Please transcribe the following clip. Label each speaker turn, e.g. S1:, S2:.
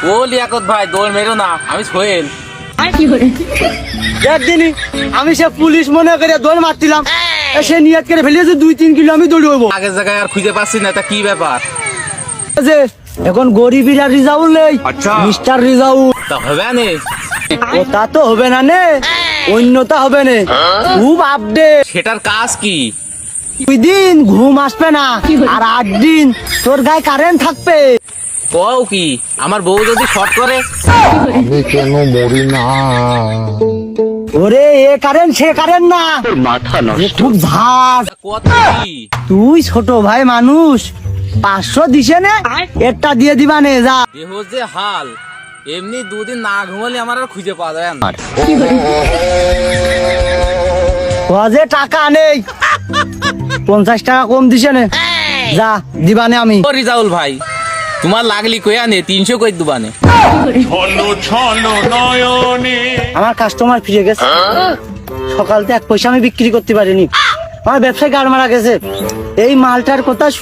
S1: ও লিয়াকত ভাই দৌড় মেরো না, আমি সোহেল।
S2: একদিনই আমি সে পুলিশ মনে করে দৌড় মারছিলাম, সে নিয়ত করে ফেলেছে 2-3 কিলো আমি দৌড়বো।
S1: আগের জায়গায় আর খুঁজে পাচ্ছি না, তা কি ব্যাপার?
S2: যে এখন গরিবিরা রিজাউল নেই, মিস্টার রিজাউল
S1: তা হবে না?
S2: ওটা তো হবে না নে, অন্যতা হবে না। খুব আপডেট।
S1: সেটার কাজ কি?
S2: 2 দিন ঘুম আসবে না, আর 8 দিন তোর গায়ে কারেন্ট থাকবে।
S1: কও কি? আমার বউ যদি শর্ট করে?
S3: আমি কেন মরি না?
S2: ওরে এ কারেন্ট সে কারেন্ট না,
S3: মাথা
S2: এ খুব ঝাঁজ।
S1: তা কথা কি?
S2: তুই ছোট ভাই মানুষ, 500 দিছে নে, একটা দিয়ে দিবা নে যা।
S1: দেহ যে হাল, এমনি 2 দিন না ঘুমালে আমার আর খুঁজে পাওয়া যায় না।
S2: যে টাকা নেই, 50 টাকা কম দিছে নে, যা দিবানে আমি।
S1: ও রিজাউল ভাই, তোমার লাগলি কইয়া নে, 300 কই দুবানে।
S2: আমার কাস্টমার ফিরে গেছে, সকালতে 1 পয়সা আমি বিক্রি করতে পারিনি, আমার ব্যবসায় গাড় মারা গেছে। এই মালটার কথা